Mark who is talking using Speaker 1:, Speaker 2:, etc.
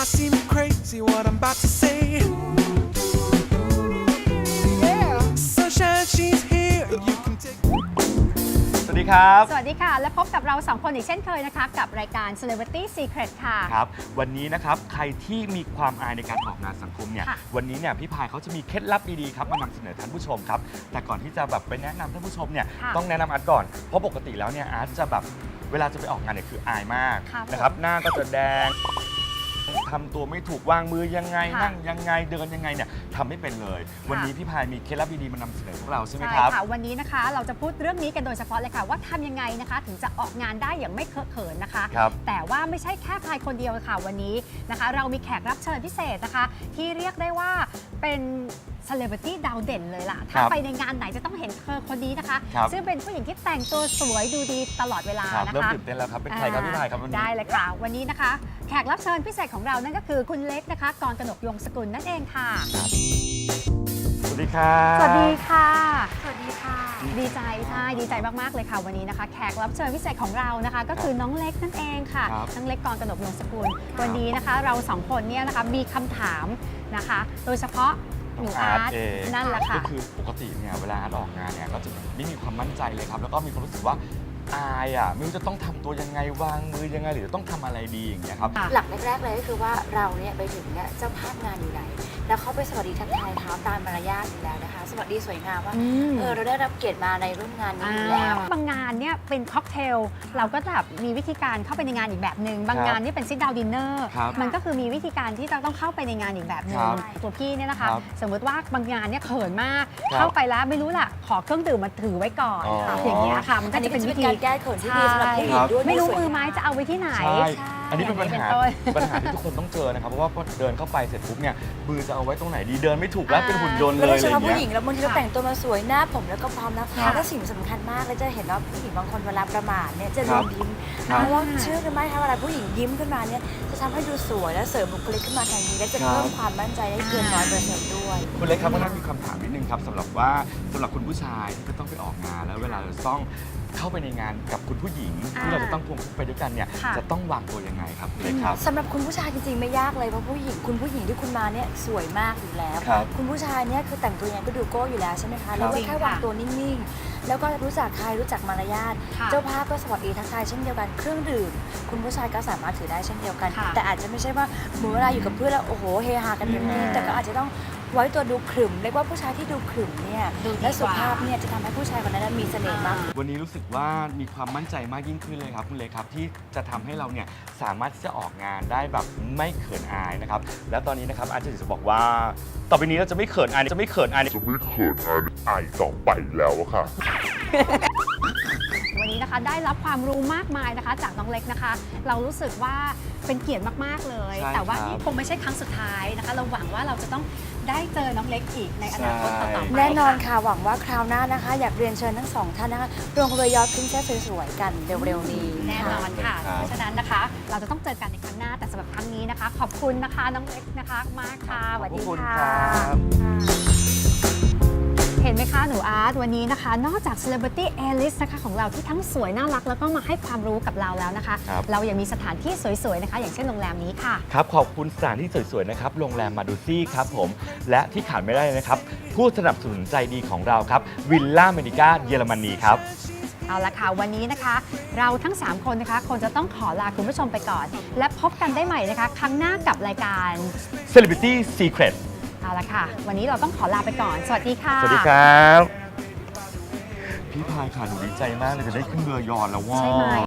Speaker 1: seem crazy what I'm about to say. Yeah, sunshine, she's here. You can take.
Speaker 2: สวัสดีครับ
Speaker 3: สวัสดีค่ะ และพบกับเรา2คนอีกเช่นเคยนะคะกับรายการ Celebrity Secret ค่ะ
Speaker 2: ครับ วันนี้นะครับใครที่มีความอายในการออกงานสังคมเนี่ย
Speaker 3: ค่ะ
Speaker 2: วันนี้เนี่ยพี่พายเขาจะมีเคล็ดลับดีๆครับมานำเสนอท่านผู้ชมครับแต่ก่อนที่จะแบบไปแนะนำท่านผู้ชมเนี่ย
Speaker 3: ค่ะ
Speaker 2: ต้องแนะนำอาร์ตก่อนเพราะปกติแล้วเนี่ยอาร์ตจะแบบเวลาจะไปออกงานเนี่ยคืออายมาก
Speaker 3: ครับ
Speaker 2: นะครับหน้าก็จะแดงทำตัวไม่ถูกวางมือยังไง
Speaker 3: ค่ะ
Speaker 2: นั่งยังไงเดินยังไงเนี่ยทำไม่เป็นเลย วันนี้พี่พายมีเคล็ดลับดีๆมานำเสนอพวกเราใช่ไหม
Speaker 3: ใช่
Speaker 2: ครับ
Speaker 3: ค่ะวันนี้นะคะเราจะพูดเรื่องนี้กันโดยเฉพาะเลยค่ะว่าทำยังไงนะคะถึงจะออกงานได้อย่างไม่เคอะเขินนะคะ
Speaker 2: ครับ
Speaker 3: แต่ว่าไม่ใช่แค่พายคนเดียวค่ะวันนี้นะคะ เรามีแขกรับเชิญพิเศษนะคะ ที่เรียกได้ว่าเป็นเซเลบริตี้ดาวเด่นเลยล่ะ ถ้าไปในงานไหนจะต้องเห็นเธอคนนี้นะคะ
Speaker 2: ครับ
Speaker 3: ซึ่งเป็นผู้หญิงที่แต่งตัวสวยดูดีตลอดเวลา
Speaker 2: ครับ
Speaker 3: นะ
Speaker 2: เริ่ม
Speaker 3: คะ
Speaker 2: ตื่นเต้นแล้วครับเป็นใครครับพี่พายครับวันนี้
Speaker 3: ได้เลยค่ะ วันนี้นะคะ แขกรับเชิญพิเศษของเรานั่นก็คือคุณเล็กนะคะกรกนกยงสกุลนั่นเองค่ะ
Speaker 2: สวัสดีครับ
Speaker 3: สวัสดีค่ะ
Speaker 4: สวัสดีค่ะ
Speaker 3: ดีใจใช่ดีใจมากๆเลยค่ะวันนี้นะคะ แขกรับเชิญพิเศษของเรานะคะ ก็คือน้องเล็กนั่นเองค่ะ
Speaker 2: ครับ
Speaker 3: น้องเล็กกรกนกยงสกุลวันนี้นะคะ เราสองคนเนี่ยนะคะมีคำถามนะคะ โดยเฉพาะหนูอาร์ต
Speaker 2: เอง
Speaker 3: นั่นแหละค่ะ
Speaker 2: ก็คือปกติเนี่ยเวลาอาร์ตออกงานเนี่ยก็จะไม่มีความมั่นใจเลยครับ แล้วก็มีความรู้สึกว่าอายอ่ะไม่รู้จะต้องทำตัวยังไงวางมือยังไงหรือต้องทำอะไรดีอย่างเงี้ยครับ
Speaker 3: ค่ะ
Speaker 4: หลักแรกๆเลยก็คือว่าเราเนี่ยไปถึงเนี่ยเจ้าภาพงานอยู่ไหน แล้วเขาไปสวัสดีทักทายเขาตามมารยาทอยู่แล้วนะคะ สวัสดีสวยงามว่า เราได้รับเกียรติมาในร่วมงานนี้อยู่แล้ว
Speaker 3: บางงานเนี่ยเป็นค็อกเทลเราก็แบบมีวิธีการเข้าไปในงานอีกแบบหนึ่งบางงานเนี่ยเป็นซิทดาวดินเนอร์
Speaker 2: ครับ
Speaker 3: มันก็คือมีวิธีการที่จะต้องเข้าไปในงานอีกแบบหนึ่ง
Speaker 2: ครับ
Speaker 3: ตัวพี่เนี่ยนะคะ
Speaker 2: ครับ
Speaker 3: สมมติว่าบางงานเนี่ยเขินมาก
Speaker 2: ครับ
Speaker 3: เข้าไปแล้วไม่รู้ล่ะขอเครื่องดื่มมาถือไว้ก่อน
Speaker 2: อ๋อ
Speaker 3: อย่างเงี้ยค่ะมันก็
Speaker 4: อันนี้
Speaker 3: จะ
Speaker 4: ก็
Speaker 3: เป็น
Speaker 4: จะ
Speaker 3: วิ
Speaker 4: เป็น
Speaker 3: ธี
Speaker 4: การแก้เขินที่ดีสำหรับผู้หญิงด้วย
Speaker 3: ไม่รู้
Speaker 4: สวย
Speaker 3: มือไม้จะเอาไว้ที่ไหน
Speaker 2: ใช่ อันนี้เป็นปัญหา
Speaker 3: เป็นต้น
Speaker 2: ปัญหาที่ทุกคนต้องเจอนะครับ เพราะว่าพอเดินเข้าไปเสร็จปุ๊บเนี่ยมือจะเอาไว้ตรงไหนดีเดินไม่ถูกแล้วเป็นหุ่นยนต์
Speaker 4: แล้ว
Speaker 2: เล
Speaker 4: โด
Speaker 2: ย
Speaker 4: ย
Speaker 2: อะ
Speaker 4: เฉ
Speaker 2: ไรอ
Speaker 4: พาะ
Speaker 2: ย่าง
Speaker 4: ผู้ห
Speaker 2: เงี้
Speaker 4: ญิ
Speaker 2: ย
Speaker 4: งแล้วบางทีเราแต่งตัวมาสวยหน้าผมแล้วก็พร้อมนะคะ
Speaker 3: ค่ะ
Speaker 4: และสิ่งสำคัญมากเลยจะเห็นว่าผู้หญิงบางคนเวลาประมาทเนี่ยจะ
Speaker 2: ครั
Speaker 4: ลื
Speaker 2: บ
Speaker 4: มยิ้ม
Speaker 2: ครับ
Speaker 4: เพราะว่าเชื่อกันไหมคะเวลาผู้หญิงยิ้มขึ้นมาเนี่ยจะทำให้ดูสวยและเสริมบุคลิกขึ้นมาทันทีและจะเพิ่มความมั่นใจได้เกิน100%ด้วย
Speaker 2: คุณเล็กครับวันนั้นมีคำถามนิดนึงครับสำหรับว่าสำหรับคุณผู้ชายที่จะต้องไปออกงาน แล้วเวลาเราต้องเข้าไปในงานกับคุณผู้หญิงที่เราจะต้องควงคู่ไปด้วยกันเนี่ย
Speaker 3: ค่ะ
Speaker 2: จะต้องวางตัวยังไงครับคุณเล็กครับ
Speaker 4: สำหรับคุณผู้ชายจริงๆไม่ยากเลยเพราะผู้หญิงคุณผู้หญิงที่คุณมาเนี่ยสวยมากอยู่แล้ว
Speaker 2: ครับ
Speaker 4: คุณผู้ชายเนี่ยคือแต่งตัวยังไงก็ดูโก้อยู่แล้วใช่ไหมคะแล้วก็
Speaker 3: จริง
Speaker 4: แค่
Speaker 3: ค่ะ
Speaker 4: วางตัวนิ่งๆ แล้วก็รู้จักใครรู้จักมารยาท
Speaker 3: ค่ะ
Speaker 4: เจ้าภาพก็สวัสดีทักทายเช่นเดียวกันเครื่องดื่มคุณผู้ชายก็สามารถถือได้เช่นเดียวกัน
Speaker 3: ค่ะ
Speaker 4: แต่อาจจะไม่ใช่ว่าเหมือนเวลาอยู่กับเพื่อนแล้วโอ้โหเฮฮากันเต็มที่
Speaker 2: อืม
Speaker 4: แต่ก็อาจจะต้องไว้ตัวดูขรึมเรียกว่าผู้ชายที่ดูขรึมเนี่ย
Speaker 3: ดูดีกว่า
Speaker 4: และสุภาพเนี่ยจะทำให้ผู้ชายคนนั้นมีเสน่ห์มาก
Speaker 2: วันนี้รู้สึกว่ามีความมั่นใจมากยิ่งขึ้นเลยครับคุณเล็กครับที่จะทำให้เราเนี่ยสามารถที่จะออกงานได้แบบไม่เขินอายนะครับแล้วตอนนี้นะครับอาจารย์จะบอกว่าต่อไปนี้เราจะไม่เขินอายจะไม่เขินอาย
Speaker 5: จะไม่เขินอายต่อไปแล้วอะค่ะ
Speaker 3: วันนี้นะคะได้รับความรู้มากมายนะคะ จากน้องเล็กนะคะ เรารู้สึกว่าเป็นเกียรติมากๆเลย
Speaker 2: ใช่
Speaker 3: แต่ว่า
Speaker 2: ครับ
Speaker 3: นี่คงไม่ใช่ครั้งสุดท้ายนะคะ เราหวังว่าเราจะต้องได้เจอน้องเล็กอีกในอนาคตต่อๆไป
Speaker 4: แน่นอนค่ะหวังว่าคราวหน้านะคะ อยากเรียนเชิญทั้งสองท่านนะคะลงเรือยอทพริ้นเซสสวยๆกันเร็วๆนี้
Speaker 3: แน่นอนค่ะ
Speaker 2: ครับ
Speaker 3: เพราะฉะนั้นนะคะ เราจะต้องเจอกันในครั้งหน้าแต่สำหรับครั้งนี้นะคะ ขอบคุณนะคะน้องเล็กนะคะมากค่ะสวัส
Speaker 2: ขอบ
Speaker 3: ดี
Speaker 2: คุณ
Speaker 3: ค่ะ
Speaker 2: ครับ
Speaker 3: เห็นไหมคะหนูอาร์ตวันนี้นะคะ นอกจาก Celebrity A-list นะคะของเราที่ทั้งสวยน่ารักแล้วก็มาให้ความรู้กับเราแล้วนะคะ
Speaker 2: ครับ
Speaker 3: เรายังมีสถานที่สวยๆนะคะ อย่างเช่นโรงแรมนี้ค่ะ
Speaker 2: ครับขอบคุณสถานที่สวยๆนะครับโรงแรมมาดูซี่ครับผมและที่ขาดไม่ได้เลยนะครับผู้สนับสนุนใจดีของเราครับวิลล่าเมดิก้าเยอรมนีครับ
Speaker 3: เอาละค่ะวันนี้นะคะ เราทั้ง 3 คนนะคะคงจะต้องขอลาคุณผู้ชมไปก่อน และพบกันได้ใหม่นะคะ ครั้งหน้ากับรายการ
Speaker 2: Celebrity Secret
Speaker 3: เอาละค่ะ วันนี้เราต้องขอลาไปก่อน สวัสดีค่ะ
Speaker 2: สวัสดีครับพี่พายค่ะหนูดีใจมากเลยจะได้ขึ้นเรือยอชต์แล้วว่า
Speaker 3: ใช่ไหม